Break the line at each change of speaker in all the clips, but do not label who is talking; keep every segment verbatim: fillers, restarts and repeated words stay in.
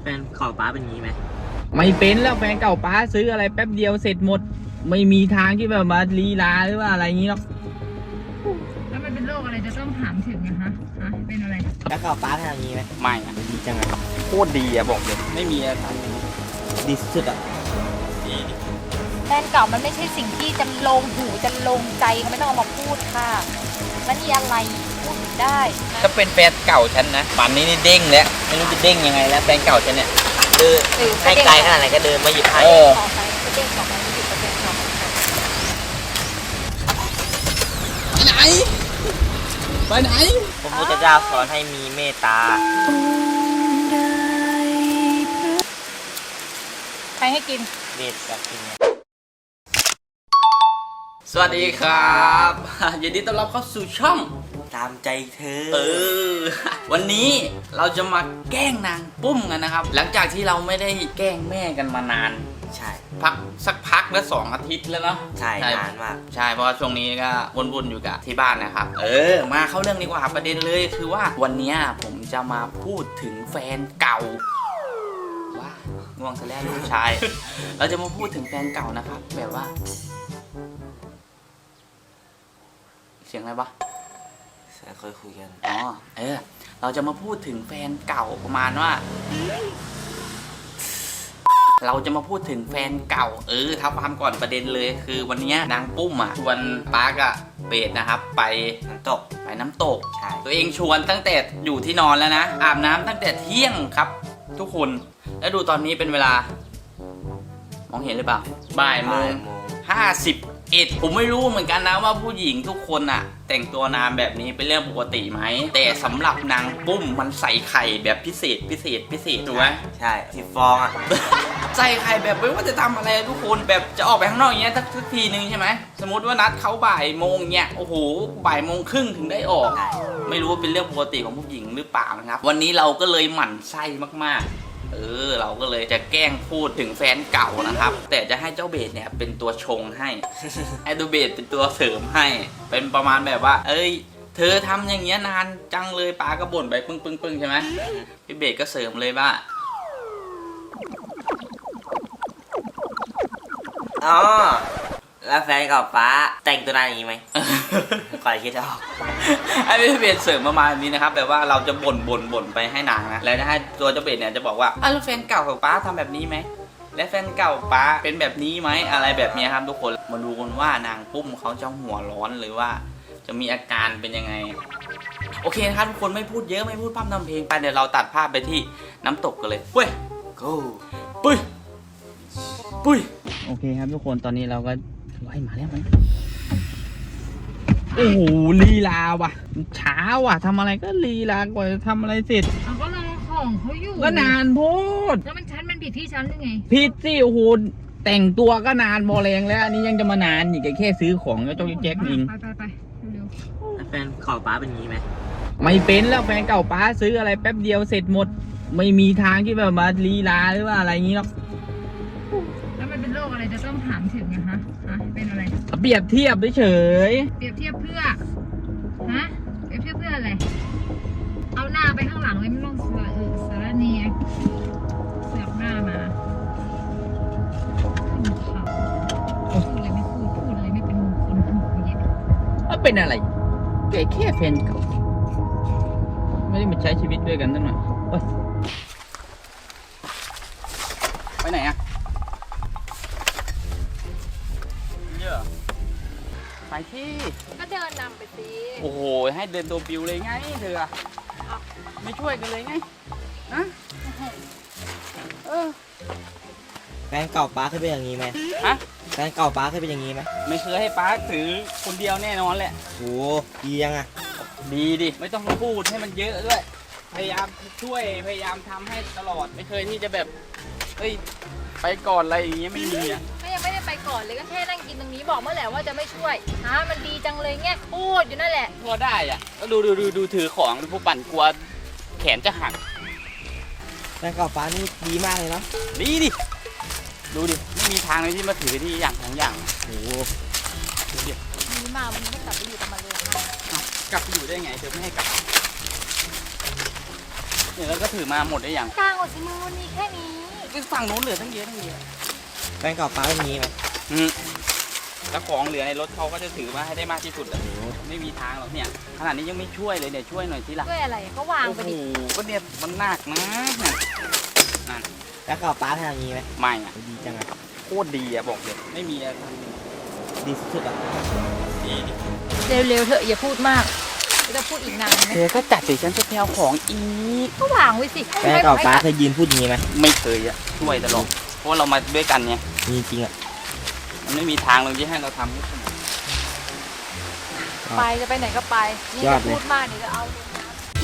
แฟนเก่าป้าเป็นงี้ไหม
ไม่เป็นแล้วแฟนเก่าป้าซื้ออะไรแป๊บเดียวเสร็จหมดไม่มีทางที่แบบมาลีลาหรือว่าอะไรอย่างนี้หรอก
แล้วมันเป็นโรคอะไรจะต้องถามถึงนะคะฮะเป็นอะไร
แฟนเก่าป้าเป็นอย่างนี้ไหม
ไม่อะ
ดีจังอะ
โคตรดีอะบอกเลยไม่มีอะไร
ดีสุดอะ
ดี
แฟนเก่ามันไม่ใช่สิ่งที่จะลงหูจะลงใจเขาไม่ต้องเอามาพูดค่ะมันมีอะไรพูดได้
ถ้าเป็นแฟนเก่าฉันนะป่านนี้นี่เด้งแล้วไม่รู้จะเด้งยังไงแล้วแฟนเก่าฉันเนี่ย
คือให้ไกลขนาดไหนก็เดินมาหยิบให้
เด้งบอกมาหยิบกระเด็นออก
ไปไหนไปไหน
พระพุทธเจ้าสอนให้มีเมตตา
ใครให้กิน
เด็ดกับกิน
สวัสดีครับยินดีต้อนรับเข้าสู่ช่อง
ตามใจเธอ
เออวันนี้เราจะมาแกล้งนางปุ้มกันนะครับหลังจากที่เราไม่ได้แกล้งแม่กันมานาน
ใช่
พักสักพักแล้วสองอาทิตย์แล้วเนาะ
ใช่นานมาก
ใช่เพราะว่าช่วงนี้ก็วนๆอยู่กับที่บ้านนะครับเออมาเข้าเรื่องดีกว่าประเด็นเลยคือว่าวันนี้ผมจะมาพูดถึงแฟนเก่าว่าง่วงซะแล้วลูกชาย เราจะมาพูดถึงแฟนเก่านะครับแบบว่าเสียงอะไรปะ
เคยคุยกัน
อ๋อเออเราจะมาพูดถึงแฟนเก่าประมาณว่าเราจะมาพูดถึงแฟนเก่าเออท้าความก่อนประเด็นเลยคือวันนี้นางปุ้มอ่ะชวนปาร์กอะเบสนะครับไป
น้ำตก
ไปน้ำตก
ใช่
ตัวเองชวนตั้งแต่อยู่ที่นอนแล้วนะอาบน้ำตั้งแต่เที่ยงครับทุกคนแล้วดูตอนนี้เป็นเวลามองเห็นหรือเปล่าบ่ายโมงห้าสิบเอ็ดผมไม่รู้เหมือนกันนะว่าผู้หญิงทุกคนอะแต่งตัวนานแบบนี้เป็นเรื่องปกติไหมแต่สำหรับนางปุ้มมันใส่ไข่แบบพิเศษพิเศษพิเศษถูกไหม
ใช่สิบฟองอะ
ใส่ไข่แบบไม่ว่าจะทำอะไรทุกคนแบบจะออกไปข้างนอกอย่างเงี้ยสักทีนึงใช่ไหมสมมติว่านัดเขาบ่ายโมงเงี้ยโอ้โหบ่ายโมงครึ่งถึงได้ออกไม่รู้ว่าเป็นเรื่องปกติของผู้หญิงหรือเปล่านะครับวันนี้เราก็เลยหมั่นไส้มากๆเออเราก็เลยจะแกล้งพูดถึงแฟนเก่านะครับแต่จะให้เจ้าเบสเนี่ยเป็นตัวชงให้ให้ตัวเบสเป็นตัวเสริมให้เป็นประมาณแบบว่าเอ้ยเธอทำอย่างเงี้ยนานจังเลยป้าก็บ่นไปปึ้งปึ้งปึ้งใช่ไหมพี่เบสก็เสริมเลยว่า
อ๋อแล้วแฟนเก่าป้าแต่งตัวนานอย่างนี้ไหมก่อนคิดจะออก
ไอ้พี่เบสเสริมประมาณนี้นะครับแบบว่าเราจะบ่นบ่นบ่นไปให้นางนะแล้วจะให้ตัวเจ้าเบสเนี่ยจะบอกว่าอ้าวแล้วแฟนเก่าของป้าทำแบบนี้ไหมและแฟนเก่าป้าเป็นแบบนี้ไหมอะไรแบบนี้ครับทุกคนมาดูกันว่านางปุ้มเขาจะหัวร้อนหรือว่าจะมีอาการเป็นยังไงโอเคนะครับทุกคนไม่พูดเยอะไม่พูดพร่ำทำเพลงไปเดี๋ยวเราตัดภาพไปที่น้ำตกกันเลยเว้ย
go
ปุ้ยปุ้ยโอเคครับทุกคนตอนนี้เราก็ไล่มาแล้วมั้ยโอ้โหลีลาว่ะช้าว่ะทำอะไรก็ลีลากว่าจะทำอะไรเสร็จ
เขาก็รอของเขาอยู่
ก็นานโพด
แล้วมันชั้นมันผิดที่ชั้นหรือไง
ผิดสิโอ้โหแต่งตัวก็นานพอแรงแล้วอันนี้ยังจะมานานอีกแค่ซื้อของก็ต้องแจ็คเอง
ไปไปไปเร็ว
แฟนเก่าป้าเป็นงี้ไหม
ไม่เป็นแล้วแฟนเก่าป้าซื้ออะไรแป๊บเดียวเสร็จหมดไม่มีทางที่แบบมาลีลาหรือว่าอะไรอย่างนี้หรอก
แล้วมันเป็นโรคอะไรจะต้องถามถึงนะคะฮะเป็นอะไร
เปรียบเทียบเฉย
เปรียบเทียบเพื่อฮะเปรียบเทียบเพื่ออะไรเอาหน้าไปข้างหลังเลยไม่ต้องเสือเออสารเนียเสือกหน้ามาขึ้นเขาพูดอะไรไม่พูดพูดอะไรไม่เป็นมงคลหูเย็น
ว่าเป็นอะไรแค่แค่แฟนเก่าไม่ได้มาใช้ชีวิตด้วยกันตั้งหน่อยไปไหนอะไปที่
ก็เดินนำไปสิ
โอ้โหให้เดินตัวปิวเลยไงเธอไม่ช่วยกันเลยไงฮะเออ
แฟนเก่าป้าเคยเป็นอย่างนี้ไหม
ฮะ
แฟนเก่าป้าเคยเป็นอย่างนี้ไหม
ไม่เคยให้ป้าถือคนเดียวแน่นอนแหละ
โอ้ดียังอะ
ดีดิไม่ต้องพูดให้มันเยอะด้วยพยายามช่วยพยายามทำให้ตลอดไม่เคยที่จะแบบเฮ้ยไปก่อนอะไรอย่างเงี้ยไม่มีอ่ะ
ไม่ยังไม่ได้ไปก่อนเลยก็แค่นั่งกินตรงนี้บอกเมื่อไหร่ว่าจะไม่ช่วยฮะมันดีจังเลยเงี้ยพูดอยู่นั่นแหละ
พอได้อ่ะก็ดูดูดูดูถือของผู้ปั่นกลัวแขนจะหัก
แฟนเก่าป้านี่ดีมากเลยเนาะ
ดีดิดูดิไม่มีทางเลยที่มาถือที่อย่างของอย่าง
โอ้
ดูดิดีมากมันไม่กลับไปอยู่กับมันเลย
กลับไปอยู่ได้ไงเธอไม่ให้กลับ
โ
เนี่ยแล้วก็ถือมาหมดได้ยัง
กลางหมดสิมือมันมีแค่นี้
ไปฝั่งโน้นเหลือทั้งเยอะทั้งเยอะ
แฟนเก่าป้าไม่มีไหม
อืมแล้วของเหลือในรถเขาก็จะถือมาให้ได้มากที่สุดอะไม่มีทางหรอกเนี่ยขนาดนี้ยังไม่ช่วยเลยเนี่ยช่วยหน่อยสิล่ะ
ด้วยอะไรก็วาง
โอ้
ไป
โห
ดิ
ก็เนี่ยมันหนักนะเนี่ยนั่น
แล้วเก่าป้าทำอย่างนี้ไหม
ไม่อะ
ดีจังอะ
โคตรดีอะบอกเลยไม่มีอะไรท
ดีสุดๆอะ
ำดีดิ
เร็วๆเถอะอย่าพูดมากจะพูดอีกนานไหม
เธอก็จัดสิฉันจะไปเอาของอีก
ก็วางไว้สิ
แฟนเก่าป้าเคยยืนพูดอย่างนี้ไหม
ไม่เคยอะช่วยตลอดเพราะว่าเรามาด้วยกันไง
มีจริงอะ
มันไม่มีทางเลยที่ให้เราทำให้เสมอ
ไปจะไปไหนก็ไปนี่จะพูดมากเดี๋ยวจะเอาลงน้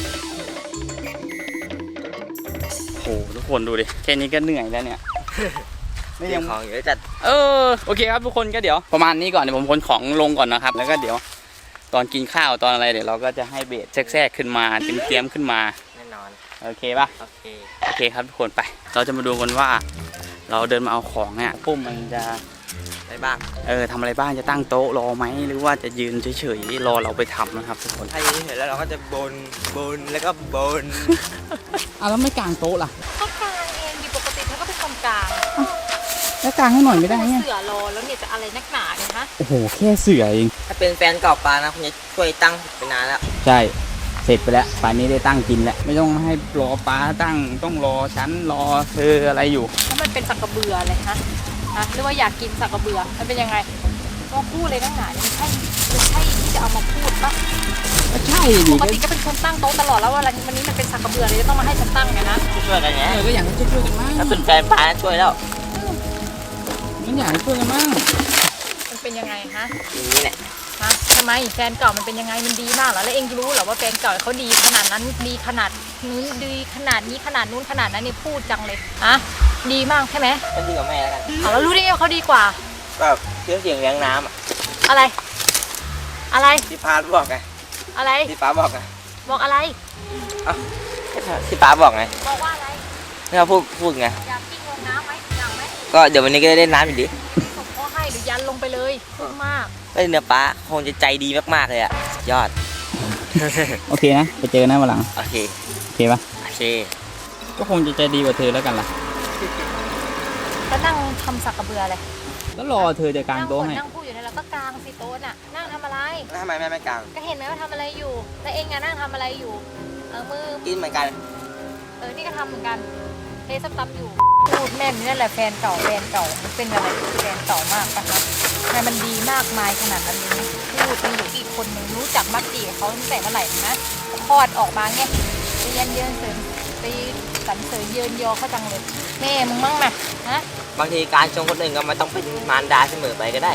โอ้โหทุกคนดูดิแค่นี้ก็เหนื่อยแล้วเนี่ย ไม่
เรื่
ยั
อง งของเยอะจัด
เออโอเคครับทุกคนก็เดี๋ยวประมาณนี้ก่อนเดี๋ยวผมขนของลงก่อนนะครับ แล้วก็เดี๋ยวตอนกินข้าวตอนอะไรเดี๋ยวเราก็จะให้เบสแทรกๆขึ้นมาเตรียมๆขึ้นมา
แน่นอน
โอเคป่ะ
โอเค
โอเคครับทุกคนไป เราจะมาดูกันว่า เราเดินมาเอาของเนี่ยปุ้มมันจะ
ได้บ้าง
เออทำอะไรบ้างจะตั้งโต๊ะรอไหมหรือว่าจะยืนเฉยๆรอเราไปทำนะครับทุกคน
ถ้าอย่างนี้เห็นแล้วเราก็จะบนบนแล้วก็บน
อ่ะแล้วไม่กางโต๊ะล่ะ
ำก็กลางเองดิปกติเธอก็เป็นคนกลาง
แล้วกางให้หน่อยไม่ได้ไง
เสือรอแล้วเนี่ยจะอะไรนักหนาเนี่ยฮะ
โอ้โหแค่เสือเอง
ถ้าเป็นแฟนเก่าป้านะคุณจะช่วยตั้งไปนานแล้ว
ใช่ เสร็จไปแล้วป่านนี้ได้ตั้งกินแล้ว ไม่ต้องให้รอป้าตั้ง ต้องรอฉันรอเธออะไรอยู่
แล้วมันเป็นสักกระเบืออะไรฮะฮะหรือว่าอยากกินสักกระเบือมันเป็นยังไงก็พูดเลยนักหนาเนี่ยมันใช่มันใช่ที่จะเอามาพูดปะ
ก็ใช่ดิ
ปกติก็เป็นคนตั้งโต๊ะตลอดแล้ววันวันนี้มันเป็นสักกระเบือเลยจะต้องมาให้ฉันตั้งไงนะ
ช่วยกันไง
เออก็อยากให้ช่วยๆกันมั่ง
ถ้าเป็นแฟนป้าช่วยแล้ว
มันอยากให้ช่วยกันมั่ง
มันเป็นยังไงฮะ
อย่างนี้แหละ
ฮะทำไมแฟนเก่ามันเป็นยังไงมันดีมากเหรอแล้วเองรู้เหรอว่าแฟนเก่าเขาดีขนาดนั้นดีขนาดนู้นดีขนาดนี้ขนาดนู้นขนาดนั้นนี่พูดจังเลยอะดีมากใช่ไหม
ก็ดีกับแม่แล้วกัน
อ๋อแล้วรู้ได้ไงว่าเขาดีกว่า
ก็เชื่อเสียงเลี้ยงน้ำอะ
อะไร อะไร
ที่ป้าบอกไง
อะไร
ที่ป้าบอกไง
บอกอะไร
ที่ป้าบอกไง
บอกว่าอะไร
ที่เขาพูดพูดไง
อยากกิ้งลงน้ำไหมอยากไหม
ก็เดี๋ยววันนี้ก็ได้เล่นน้ำอยู่ดิ
ส่งพ่อให้หรือยันลงไปเลยพูดมาก
ก็เนื้อป้าคงจะใจดีมากๆเลยอะสุดยอด
โอเคนะ ไปเจอกันนะวันหลัง
โอเค
โอเคปะ
โอเค
ก็คงจะใจดีกว่าเธอแล้วกันล่ะ
ก็นั่งทำสักกระเบืออะไร
ก็รอเธอจะกาง
นั่ง
โต๊ะ
บ่น
ให้
นั่งพูดอยู่นั่นแล้วก็กางสิโต๊ะน่ะนั่งทำอะไร
แล้วทำไมแม่ไม่กลาง
ก็เห็นไหมว่าทำอะไรอยู่ แล้วเองอะนั่งทำอะไรอยู่ เออมือ
กินเหมือนกัน
เออ นี่ก็ทำเหมือนกันเทสตับอยู่ พูดแม่นนี่แหละแฟนเก่าแฟนเก่ามันเป็นอะไรที่แฟนเก่ามากปะครับทำไมมันดีมากมายขนาดนั้นเลยพูดมีอยู่อีกคนหนึ่งรู้จักมักจีกับเขาตั้งแต่เมื่อไหร่นะคลอดออกมาไงไปเยินเยินเสริมไปสรรเสริญเยินยอเขาจังเลยแม่มึงมั่งนะฮะ
บางทีการชงคนอื่นก็ไม่ต้องเป็นมารดาเสมอไปก็ได้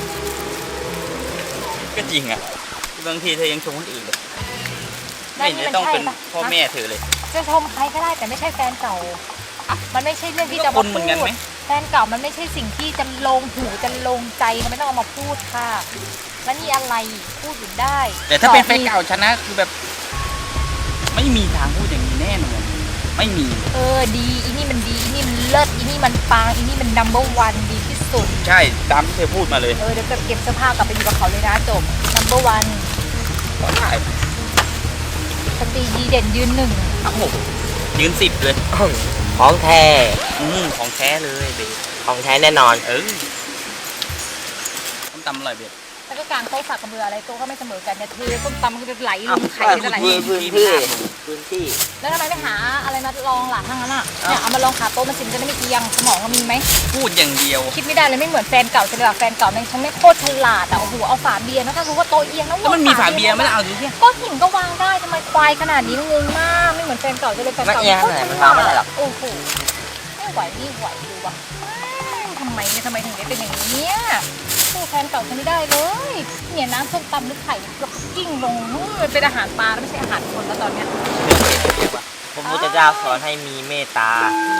ก็จริงอ่ะ บางทีเธอยังชมคนอื่นเลย
นั่
ไม่
น
เห็น
นี่
จะ
มัน
ต้อง
ใช่
เป็น
ปะ
พ่อแม่เธอเลย
จะชมใครก็ได้แต่ไม่ใช่แฟนเก่า มันไม่ใช่เรื่องที่จะ
ก็คนเหมือนกันไหม
แฟนเก่ามันไม่ใช่สิ่งที่จะลงหูจะลงใจมันไม่ต้องเอามาพูดค่ะ แล้วนี่อะไรพูดอยู่ได้
แต่ถ้าเป็นแฟน
ต่อ
เก่าฉันนะคือแบบ ไม่มีทางพูดอย่างนี้แน่นอนไม่มี
เออดีอีนี่มันดีอีนี่มันเลิศอีนี่มันปังอีนี่มัน number one ดีที่สุด
ใช่ตามที่เธอพูดมาเลย
เออเดี๋ยวเก็บเสื้อผ้ากลับไปอยู่กับเขาเลยนะจบ number one
ก็ได้
สตรีดีเด่นยืนหนึ่ง
ครับผมยืนสิบเลย
ของแท้
อืมของแท้เลยเบส
ของแท้แน่นอน
เออต้มตำอร่อยเบส
แล้วก็กลางโต๊ะสักกระเบืออะไรโต๊ะก็ไม่เสมอกันเนี่ยเทส้มตำมันก็จะไหลล
อ้าว
งไข่จะไหล
พื้นพื้นที่พื้นที่
แล้วทำไมไม่หาอะไรมาลองล่ะทั้งนั้นอ่ะเนี่ยเอามาลองขาโต๊ะมันสิมันจะได้ไม่เอียงสมองมันมีไหม
พูดอย่างเดียว
คิดไม่ได้เลยไม่เหมือนแฟนเก่าใช่ไหมล่ะแฟนเก่าแม่งฉันไม่โคตรฉลาดอ่ะโอ้โหเอาฝาเบียร์นะถ้ารู้ว่าโต๊ะเอียงแล้ว
แล้วมันมีฝาเบียร์ไม่ได้เอาดูสิ
ก็หินก็วางได้ทำไมควายขนาดนี้งงมากไม่เหมือนแฟนเก่าจะเลยแฟน
มัน
เก่า
เอียงขนาดไหนมันวางไม่ได้หรอก
โอ้โหไม่ไหวนี่ไหวดูว่ะทำไมเนี่ยทำไมถึงได้เป็นอย่างนี้เนี่ยสู้แฟนเก่าฉันไม่ได้เลยเนี่ยน้ำส้มตำหรือไข่แล้วก็กิ้งลงนู่นมันเป็นอาหารปลาแล้วไม่ใช่อาหารคนแล้วตอนเนี้ย
พระพุทธเจ้าสอนให้มีเมตตา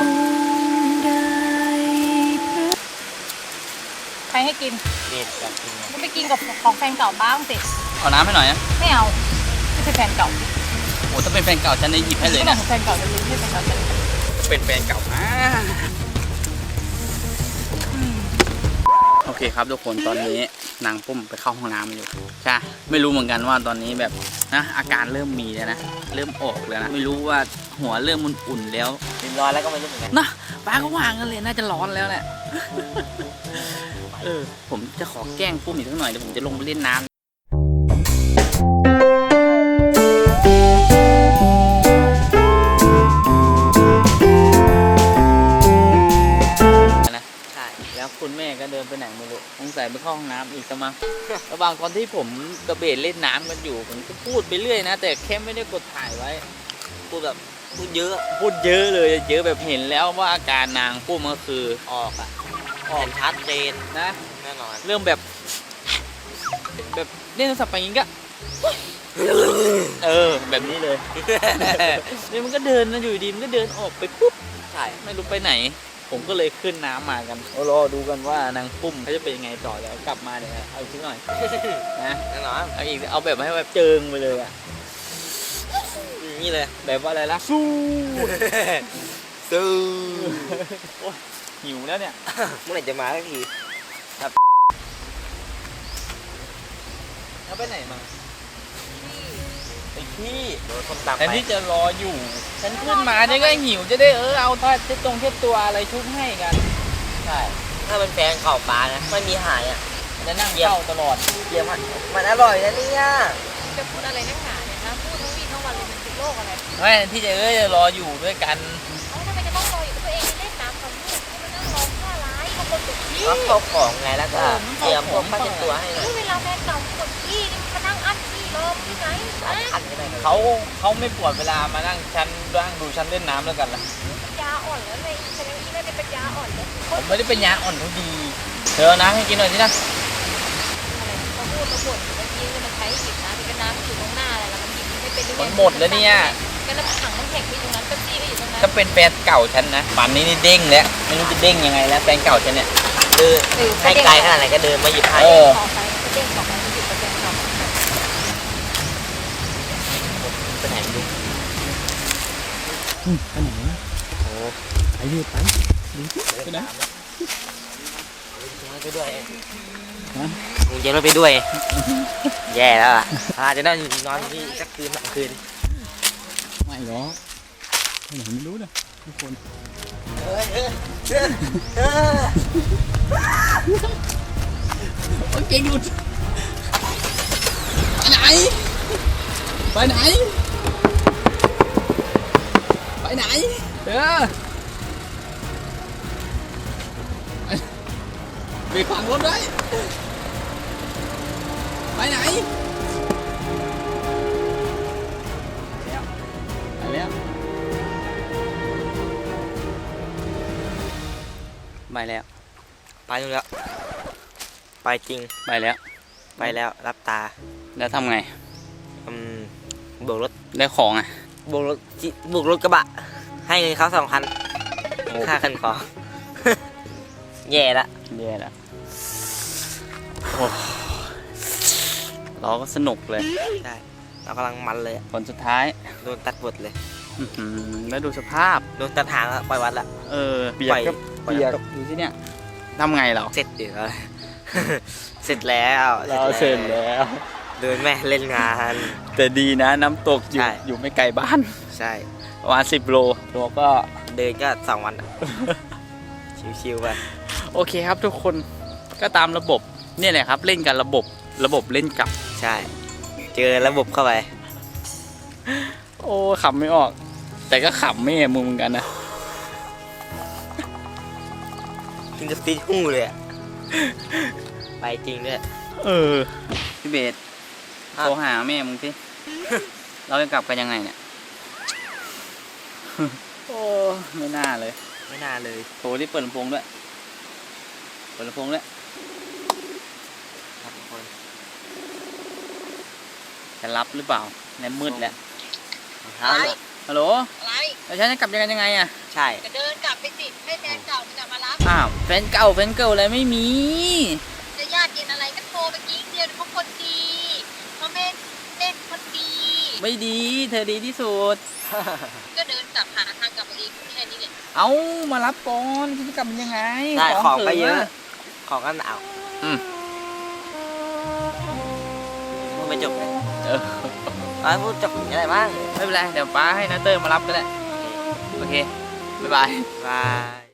ใครให้กิน
เมตตาจริง
ก็ไปกินกับของแฟนเก่าบ้างสิ
เอาน้ำให้หน่อยนะ
ไม่เอาไม่ใช่แฟนเก่า
โอ้ถ้าเป็นแฟนเก่าฉันจะหยิบให้เลย
ไม่บอ
นะ
กของแฟนเก่าจะรู้ไม่ใช่แฟนเก่าจะรู้
เป็นแฟนเก่าอ่าโอเคเคครับทุกคนตอนนี้นางปุ้มไปเข้าห้องน้ำอยู่ใช่ไม่รู้เหมือนกันว่าตอนนี้แบบนะอาการเริ่มมีแล้วนะเริ่มออกแล้วนะไม่รู้ว่าหัวเริ่มอุ่นๆแล้ว
ริมร้อนแล้วก็ไม่รู้เหมือนกัน
นะป้าก็วางกันเลยน่าจะร้อนแล้วแหละ เออผมจะขอแกล้งปุ้มอีกสักหน่อยเดี๋ยวผมจะลงไปเล่นน้ำแล้วคุณแม่ก็เดินไปไหนไม่รู้สงสัยไปเข้าห้องน้ำอีกซะมั้ง ระหว่างตอนที่ผมกระเบนเล่นน้ำกันอยู่ผมก็พูดไปเรื่อยนะแต่แค่ไม่ได้กดถ่ายไว้พูดแบบพูดเยอะพูดเยอะเลยเยอะแบบเห็นแล้วว่าอาการนางปุ้มก็คือ
ออกอ่ะออกชัดเจน
นะ
แน่นอน
เริ่มแบบแบบเล่นโทรศัพท์ไปอย่างงี้ก็เออแบบนี้เลย นี่มันก็เดินนะอยู่ดีมันก็เดินออกไปปุ๊บ
ใช่
ไม่รู้ไปไหน ผมก็เลยขึ้นน้ำมากันรอดูกันว่านางปุ้มเขาจะเป็นยังไงต่อแล้วกลับมาเดี๋ยวเอาอีกหน่อยนะ
แน่นอน
เอาอีกเอาแบบให้แบบเจิงไปเลยอะ
นี่เลย
แบบว่าอะไรล่ะสู้
สู้
โอ้ยหิวแล้วเนี่ย
เมื่อไหร่จะมาสักที
แล้วไปไหนมาไปที่
โดนคนตาม
แทน
ไป
ที่จะรออยู่ ฉันขึ้นมาเนี่ยก็หิวจะได้เออเอาถ้าเช็ดตรงเช็ดตัวอะไรชุบให้กัน
ใช่ถ้าเป็นแฟนเข่าปลานะไม่มีหายอ่ะ
จะนั่งเฝ้าตลอด
เยี่ยมมันมันอร่อยนะเนี่ย
จะพูดอะไรนักหนาเนี่ยนะพูดทั้งวี่ทั้งวันเลยมันติดโรคอะไร
ไม่ที่จะเออจะรออยู่ด้วยกัน
เอ้าทำไมจะต้องรออยู่กับตัวเองเล่นน้ำกับลูกไม่มานั่งรอผ้าร้ายบางคนปวดขี้
ก็เข้าของไงแล้วก็เตรียมพวกผ้าเช็ดตัวให้หน่อย
เวลาแฟนเก่าปวดขี้นี่มานั่งอั้นขี้รอที่ไหน
อั
นะ
นอันนี้หน่อย
เขาเขาไม่ปวดเวลามานั่งชั้นนั่งดูชั้นเล่นน้ำแล้วกันล่ะ
ปัญญาอ่อนแล้วเลยฉันยังอีไม่เป็นปัญญาอ่อนเลย
ผมไม่ได้เป็นยาอ่อนเขาดีเธอเอาน้ำให้กินหน่อยสินะ
อะไรมาพูดมาบ่นเมื่อกี้เลยมันใช้หยิบน้ำเป็นน้ำอยู่ตรงหน้าอะไรแล้วมันหยิบไม่เป็น
มันหมดแล้วเนี่ย
ก็แล้วถังน้ำแข็งที่ตรงนั้นเป๊ปซี่ก็อยู่ตรงนั้น
ถ้าเป็นแฟนเก่าฉันนะป่านนี้นี่เด้งแล้วไม่รู้จะเด้งยังไงแล้วแฟนเก่าฉันเนี่ย
คือให้ไกลขนาดไหนก็เดินมาหยิบให้
เออ
ต่อไปก็เด้งต่อไปมันหยิบเปอร์เซ็นต์ต่อ
ไปไหนไม่รู้
ไปไหน
โอ้
ไปยืดไปไปไหน
ไปด้วยมึงเย็นรถไปด้วย แย่แล้วอ่ะอาจจะนอนนอนที่สักคืนสองคืน
ไม่หรอกไปไหนไม่รู้นะทุกคนโอเคหยุดไปไหนไปไหนไปไหนเออไปฝังรถไว้ไปไหนไปแล้วไปแล้ว
ไปนู่นแล้ว ไปจริง
ไปแล้ว
ไปแล้วรับตา
แล้วทำไง
อืมบวกรถ
ได้ของอ่ะ
บวกรถจิบวกรถกระบะ ให้เงินเขาสองพันค่าคันของ แย่ละ
แย่แล้วโอ้เราก็สนุกเลย
ใช่เรากำลังมันเลยอะ
ผลสุดท้าย
โดนตัดบทเลย
อื้อหือแล้วดูสภาพ
โดนตัดหางแล้วปล่อยวัดละ
เออเปียกก็
ปล่อย
เปียก
ปล่อย
ดูที่เนี่ยทำไงเรา
เสร็จเดี๋ยว เสร็จแล้ว
เราเสร็จแล้ว
เดินแม่เล่นงาน
แต่ดีนะน้ำตกอยู่
ใช่
อยู่ไม่ไกลบ้าน
ใช่
ประมาณสิบโลตัวก็
เดินก็สองวันอะ ชิวๆไป
โอเคครับทุกคนก็ตามระบบเนี่ยแหละครับเล่นกันระบบระบบเล่นกลับ
ใช่ เจอระบบเข้าไป
โอ้ขำไม่ออก แต่ก็ขำแม่มึงเหมือนกันนะ
กินจะติดหูเลยอะไปจริงด้วย
เออพี่เบส
ครับ
โทรหาแม่มึงสิ เราจะกลับกันยังไงเนี่ย โอ้ไม่น่าเลย
ไม่น่าเลย
โทรที่เปิดลำโพงด้วยเปิดลำโพงด้วย
ครับทุกคน
จะรับหรือเปล่าในมืดแล้ว
ครับ
ฮัลโหล
อะไร
แล้วฉันจะกลับยังไงยังไงอะ
ใช่
ก็เดินกลับไปสิให้แฟนเก่าจะมารับ
อ้าวแฟนเก่าแฟนเก่าอะไรไม่มี
จะญาติเย็นอะไรก็โทรไปกิ้งเดียวเขาคนดีเขาเม่เล่นคนดี
ไม่ดีเธอดีที่สุด
ก็เดินกลับหาทางกลับมาเองแค่นี้เลย
เอามารับก่อนฉันจะกลับยังไง
ได้ของ
ธ
ก็เยอะ
ธ
ของก็หนาว
โอืม
พูดไม่จบเลย
เออ
ป้าพูดจบอย่างไรบ้าง
ไม่เป็นไร เดี๋ยวป้าให้นาเตอร์มารับก็ได้ โอเค บ๊ายบาย
บาย